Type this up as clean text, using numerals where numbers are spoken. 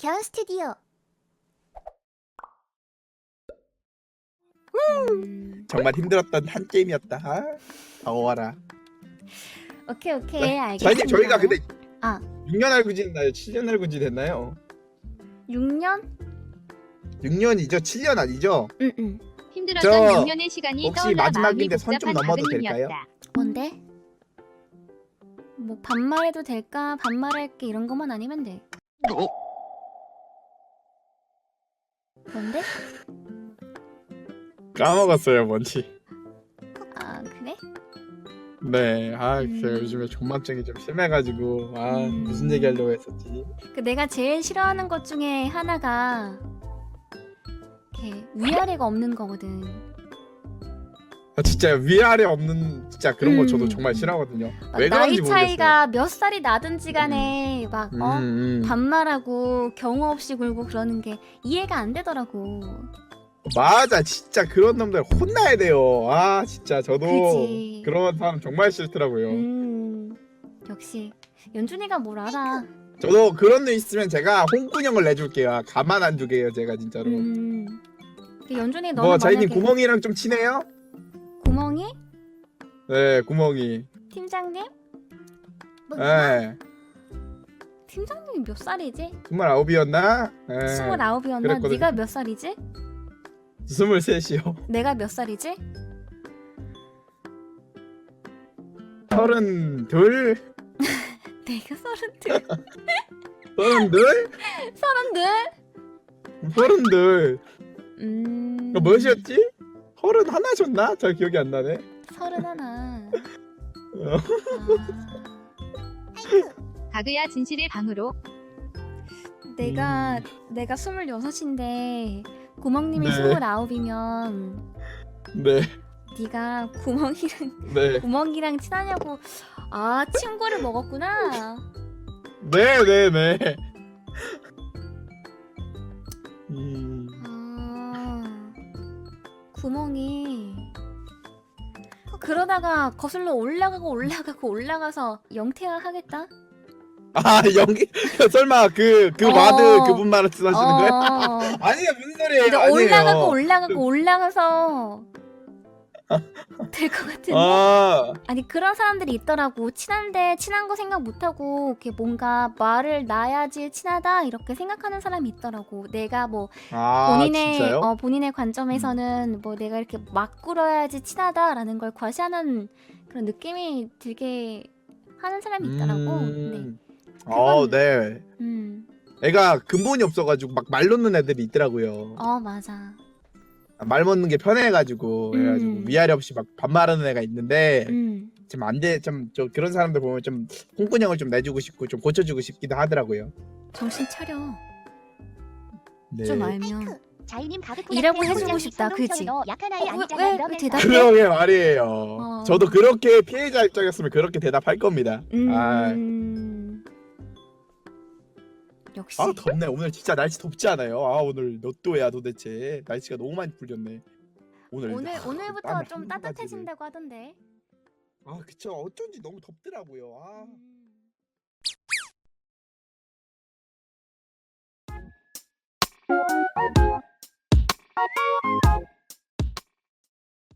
겨울 스튜디오. 정말 힘들었던 한 게임이었다. 아, 더워라. 오케이 네. 알겠습니다. 저희가 근데 아 6년 알고 지냈나요? 7년 알고 지냈나요? 6년? 6년이죠? 7년 아니죠? 응응. 힘들었던 저 6년의 시간이 혹시 떠올라 마음이 마지막인데 선 좀 복잡한 넘어도 될까요? 아그님이었다. 뭔데? 뭐 반말해도 될까? 반말할게 이런 것만 아니면 돼. 뭔데? 까먹었어요 뭔지. 아 그래? 네, 아 제가 음. 요즘에 존망증이 좀 심해가지고 무슨 얘기하려고 했었지? 그 내가 제일 싫어하는 것 중에 하나가 이렇게 위아래가 없는 거거든. 아, 진짜 위아래 없는 진짜 그런 거 저도 정말 음. 싫어하거든요. 막 왜 나이 그런지 차이가 몇 살이 나든지 간에 막 모르겠어요. 반말하고 경호 없이 굴고 그러는 게 이해가 안 되더라고. 맞아, 진짜 그런 놈들 혼나야 돼요. 아 진짜 저도 그치. 그런 사람 정말 싫더라고요. 역시 연준이가 뭘 알아. 저도 그런 애 있으면 제가 홍군형을 내줄게요. 가만 안 두게요 제가 진짜로. 그 연준이 너는 뭐 자이님 만약에 구멍이랑 좀 친해요? 구멍이? 네, 구멍이. 팀장님? 네, 팀장님이 몇 살이지? 29이었나? 네, 29이었나? 그랬거든요. 네가 몇 살이지? 23이요. 내가 몇 살이지? 32? 내가 32. 32? 32? 32. 몇이었지? 31셨나? 잘 기억이 안 나네. 31. 어. 가그야 진실의 방으로. 내가 26인데 구멍님이 네. 29이면 네, 네가 네, 구멍이랑 친하냐고. 아 친구를 먹었구나. 네, 네, 네. 아 구멍이 그러다가 거슬러 올라가서 영태화 하겠다. 아, 연기 설마 그 와드 그분 말씀하시는 거예요? 어. 아니에요, 무슨 소리예요? 근데 아니에요. 올라가서 될 것 같은데? 아, 아니 그런 사람들이 있더라고. 친한데 친한 거 생각 못하고 이렇게 뭔가 말을 놔야지 친하다 이렇게 생각하는 사람이 있더라고. 내가 뭐 진짜요? 본인의 관점에서는 뭐 내가 이렇게 막 굴어야지 친하다라는 걸 과시하는 그런 느낌이 들게 하는 사람이 있더라고. 네. 네. 애가 근본이 없어가지고 막 말 놓는 애들이 있더라고요. 맞아. 말 놓는 게 편해가지고 그래가지고 위아래 없이 막 반말하는 애가 있는데 좀 안 돼. 좀 그런 사람들 보면 좀 홍군형을 좀 내주고 싶고 좀 고쳐주고 싶기도 하더라고요. 정신 차려. 네. 좀 알면. 자이님 이라고 해주고 싶다, 그치? 약한 아이 왜 아니잖아. 대답해? 그러게 말이에요. 저도 그렇게 피해자 입장이었으면 그렇게 대답할 겁니다. 역시. 아 덥네. 오늘 진짜 날씨 덥지 않아요? 아 오늘 몇 도야 도대체? 날씨가 너무 많이 풀렸네. 오늘부터 땀을 좀 한 바가지를. 따뜻해진다고 하던데. 아 그쵸. 어쩐지 너무 덥더라고요. 아.